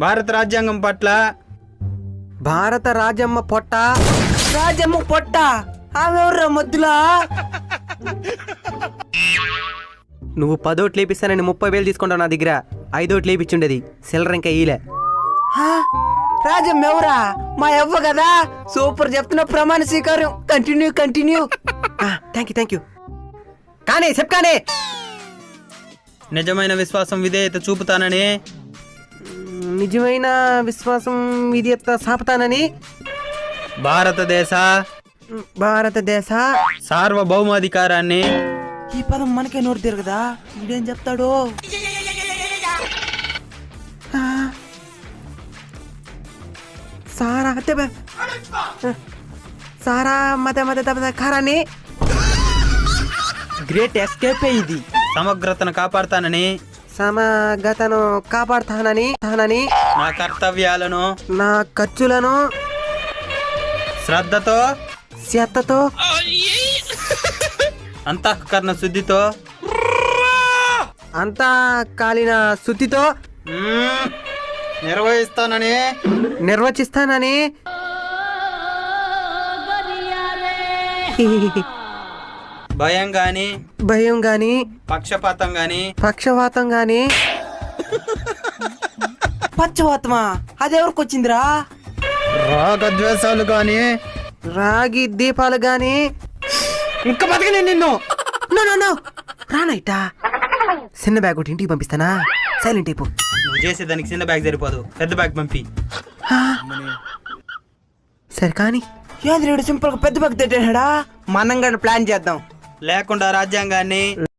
భారత రాజ్యాంగం పట్ల భారత రాజమ్మ పొట్ట. రాజమ్మ పొట్ట ఆమె ఎవర్రా మధ్యలో? నువ్వు 10 ఓట్లు లేపిస్తానని 30,000 తీసుకుంటావు నా దగ్గర. 5 ఓట్లు లేపించుండేది సిల్లర్ ఇంకా ఈలే. రాజమ్మ ఎవరా? మా ఎవ్వ కదా. సూపర్ చెప్తున్నా, ప్రమాణ స్వీకారం. కంటిన్యూ. Thank you. కానీ చెప్పానే నిజమైన విశ్వాసం విధేయత చూపుతానని నిజమైన విశ్వాసం విధేయత సాపుతానని భారతదేశ సార్వభౌమాధికారాన్ని. ఈ పదం మనకే నోరు తిరగదా? ఇదేం చెప్తాడు? సారా మత కారాన్ని. గ్రేట్ ఎస్కేప్ ఇది. సమగ్రతను కాపాడుతానని కాపాడుతానని నా కర్తవ్యాలను నా ఖర్చులను శ్రద్ధతో అంతఃకరణ శుద్ధితో అంతా కాలిన శుద్ధితో నిర్వచిస్తానని భయం గాని పక్షపాతం గాని పక్షవాతమా? అదెవరికి వచ్చిందిరా? రాగద్వేషాలు గాని రాగి దీపాలు గాని ఇంకా బతికి నిన్ను రానైటా. చిన్న బ్యాగ్ ఒకటి ఇంటికి పంపిస్తానా? సైలెంట్ అయిపో. నువ్వు చేసేదానికి చిన్న బ్యాగ్ సరిపోదు, పెద్ద బ్యాగ్ పంపి. సరే కానీ సింపుల్ గా పెద్ద బ్యాగ్ తెట్టాడా? మనం కూడా ప్లాన్ చేద్దాం. లేకుండా రాజ్యాంగాన్ని